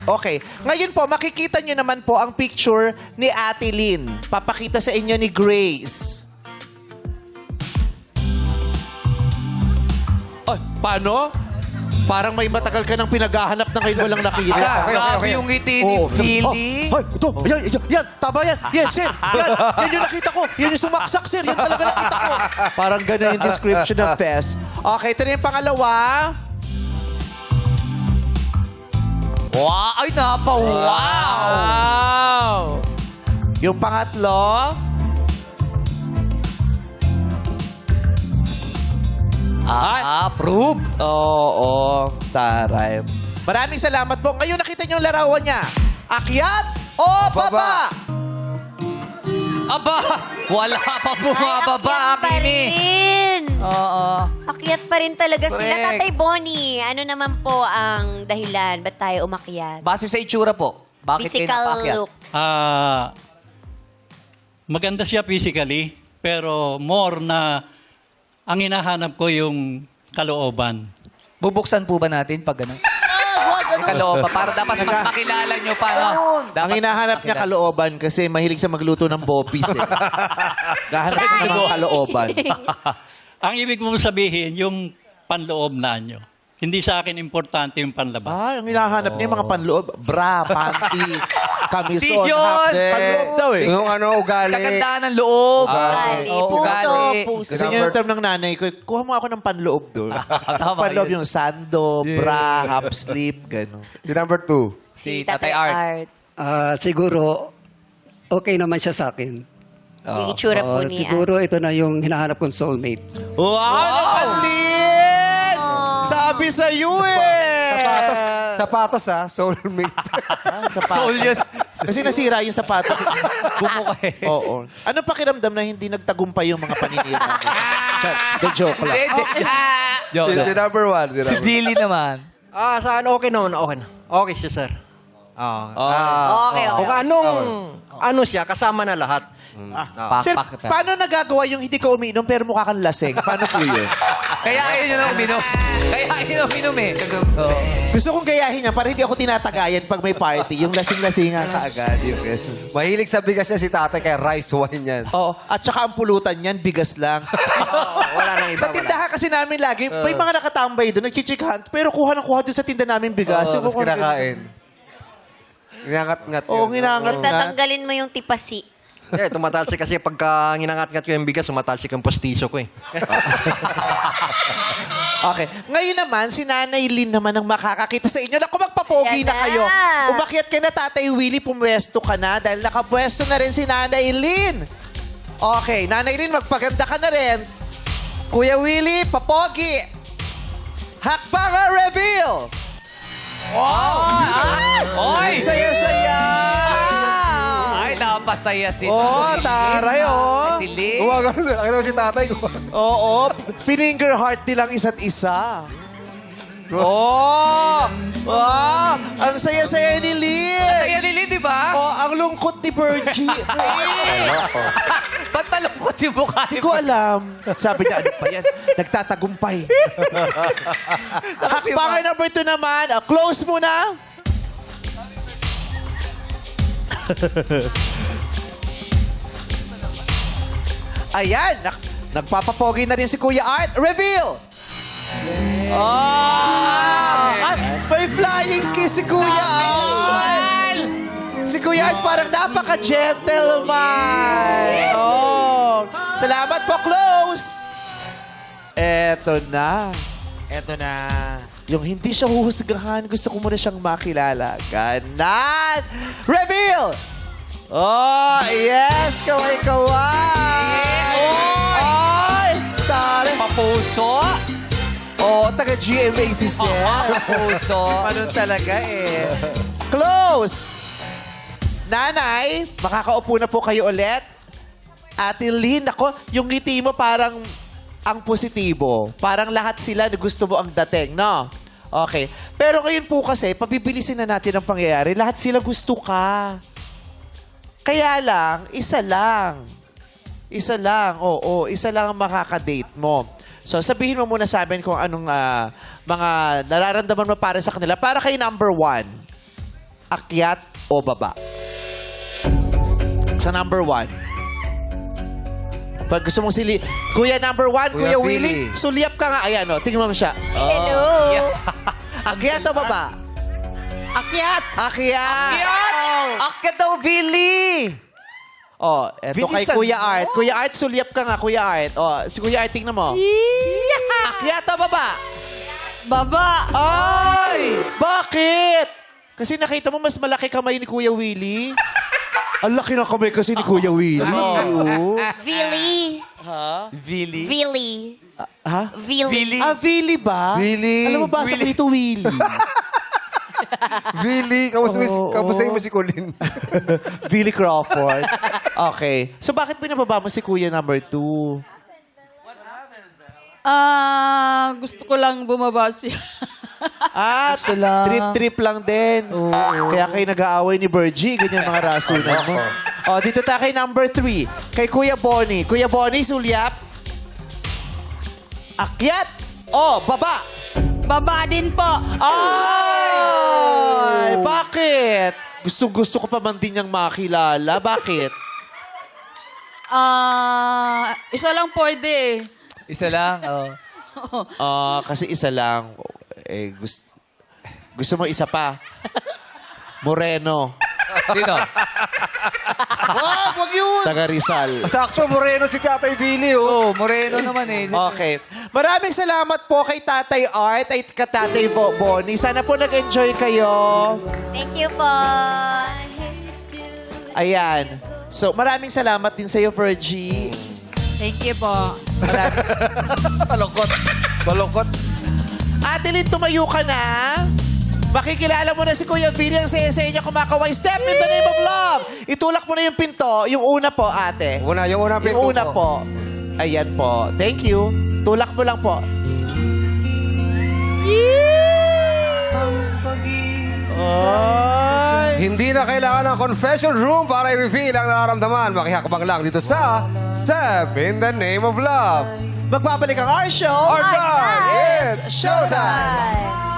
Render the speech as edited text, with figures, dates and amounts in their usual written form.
Okay. Ngayon po, makikita nyo naman po ang picture ni Ate Lynn. Papakita sa inyo ni Grace. Ay, paano? Parang may matagal ka nang pinaghahanap na ngayon walang nakita. Grabe yung ngiti ni Philly. Ay, ito. Yan. Tama yan. Yes, sir. Yan yung nakita ko. Yan yung sumaksak, sir. Yan talaga nakita ko. Parang gano'n yung description ng Fest. Okay, ito na yung pangalawa. Wow! Ay, Wow! Yung pangatlo. Approve! Oo, taray. Maraming salamat po. Ngayon nakita niyo yung larawan niya. Akyat o baba? Aba! Wala pa bumababa, Ay, akyat pa Kimi. rin. Oo. Akyat pa rin talaga sila. Correct. Tatay Bonnie, ano naman po ang dahilan? Ba't tayo umakyat? Base sa itsura po, bakit kayo Physical napakyat? looks. Maganda siya physically, pero more na ang hinahanap ko yung kalooban. Bubuksan po ba natin pag gano'n? Ang kalooban, para dapat mas makilala nyo pa. No? Dapat Ang hinahanap niya kalooban kasi mahilig siya magluto ng bopis eh. Gahanap niya ng mga kalooban. Ang ibig mo sabihin, yung panloob na nyo. Hindi sa akin importante yung panlabas. Ang hinahanap niya yung mga panloob. Bra, panty, kamison, Di yun! half-day. Panloob daw eh. Yung ugali. Kagandaan ng loob. Ugali, Oo, puso, ugali. puso. Kasi yun yung term ng nanay ko. Kuha mo ako ng panloob doon. Tama Panloob yun. yung sando, bra, half sleep, gano'n. Si number 2. Si Tatay Art. Siguro, okay naman siya sa akin. Yung itsura po niya. Siguro ito na yung hinahanap kong soulmate. Wow! Nakalin! Sabi sa'yo eh! Sapatos ha, soulmate. Soul yun. Kasi nasira yung sapatos. Bumuka eh. Oo. Ano pakiramdam na hindi nagtagumpay yung mga paninira mo? The joke lang. Joke. Si number 1. Si Billy naman. Saan okay naman? Okay na. Okay siya, sir. Okay, okay. Kung ano siya, kasama na lahat. Sir, paano nagagawa yung hindi ka umiinom pero mukha kang lasing? Paano po yun? Kaya ayun yun ang uminom. Kaya ayun yung uminom eh. Gusto kong gayahin niya para hindi ako tinatagayan pag may party. Yung lasing-lasingan Agad yung mahilig sa bigas niya si tatay kaya rice wine yan. Oo. At saka ang pulutan niyan, bigas lang. Wala nang iba. Sa tindahan kasi namin lagi, may mga nakatambay doon, nagchichik hunt, pero kuha ng kuha doon sa tinda namin bigas. Tapos kinakain. Nginangat-ngat yun. Oo, nginangat nga. Tatanggalin mo yung tipasi. Tumatalsik kasi pagka nginangat-ngat ko yung bigas, tumatalsik yung postiso ko eh. Okay. Ngayon naman, si Nanay Lynn naman ang makakakita sa inyo. Naku, magpapogi Yan na na. kayo. Umakyat ka na, Tatay Willie, pumwesto ka na dahil nakapwesto na rin si Nanay Lynn. Okay, Nanay Lynn, magpaganda ka na rin. Kuya Willie, papogi. Hakbanga reveal! Oy! Saya-saya! Ay, napasaya si Taray, Si Lee. Gumagano din. Nakita mo si tatay ko. Oo, pininger heart nilang isa't isa. Ang saya-saya ni Lynn. Saya ni Lee, di ba? Ang lungkot ni Virgie. Ba't malungkot si mukha Hindi ni ko alam. Sabi niya, ano pa yan? Nagtatagumpay. Hakbanger number 2 naman. Close muna. Ayan. Nagpapapogi na rin si Kuya Art. Reveal! May flying kiss si Kuya Art! Si Kuya Art parang napaka-gentleman. Salamat po, close! Eto na. Yung hindi siya huhusgahan, gusto ko muna siyang makilala. Ganan! Reveal! Yes! Kaway-kaway! Ay! Tari! Papuso. Taga GMA si Seth. Papuso. Ganun talaga eh. Close! Nanay, makakaupo na po kayo ulit. Ate Lynn, ako, yung ngiti mo parang ang positibo. Parang lahat sila na gusto mo ang dating, no? Okay. Pero ngayon po kasi, pabibilisin na natin ang pangyayari. Lahat sila gusto ka. Kaya lang, isa lang. Isa lang, oo. Isa lang ang makakadate mo. So, sabihin mo muna sa amin kung anong mga nararamdaman mo para sa kanila. Para kay number 1. Akyat o baba? Sa number 1. Pag gusto mong Kuya number 1, Kuya Kuya Willie, Willie. sulyap ka nga. Ayan, o. Tingnan mo siya. Hello. Akyat o baba? Akyat! Akyat! Akyat daw, Billy! Oh, eto kay Bilisan Kuya mo. Art. Kuya Art, sulyap ka nga, Kuya Art. Oh, si Kuya Art, tingnan mo. Akyat o baba? Baba. Ay! Bakit? Kasi nakita mo, mas malaki kamay ni Kuya Willie. Ang laki ng kamay kasi ni Kuya Willie. Oo. Vili. Billy? Vili. Ha? Vili. Ah, Willie ba? Willie. Alam mo ba, sa dito Willie. Billy, kamustahin mo si Colin? Billy Crawford. Okay. So, bakit pinababa mo si Kuya number 2? Gusto ko lang bumaba siya. Ah, trip-trip lang din. Kaya kayo nag-aaway ni Virgie. Ganyan mga rasunan mo. O, dito tayo kay number 3. Kay Kuya Bonnie. Kuya Bonnie, sulyap. Akyat o baba? Baba din po. Ay! Bakit? Gusto ko pa man din niyang makilala. Bakit? Isa lang pwede eh. Isa lang, oh. Kasi isa lang. Eh, gusto mo isa pa? Moreno. Sino? Wag yun! Taga Rizal. Sakto, moreno si Tatay Billy, oh. Oh, Moreno naman eh. Okay. Maraming salamat po kay Tatay Art at kay Tatay Bonnie. Sana po nag-enjoy kayo. Thank you po. Ayan. So, maraming salamat din sa'yo, Virgie. Thank you po. Balokot. Ate Lynn, tumayo ka na. Makikilala mo na si Kuya Billy ang saya-saya niya kumakaway. Step in the name of love. Itulak mo na yung pinto. Yung una po, ate. Yung unang pinto Yung una po. Ayan po. Thank you. Tulak mo lang po. Ay. Hindi na kailangan ng confession room para i-reveal ang nararamdaman. Makihakbang lang dito sa Step in the Name of Love. Magbabalik ang our show. Our time, it's showtime! Bye.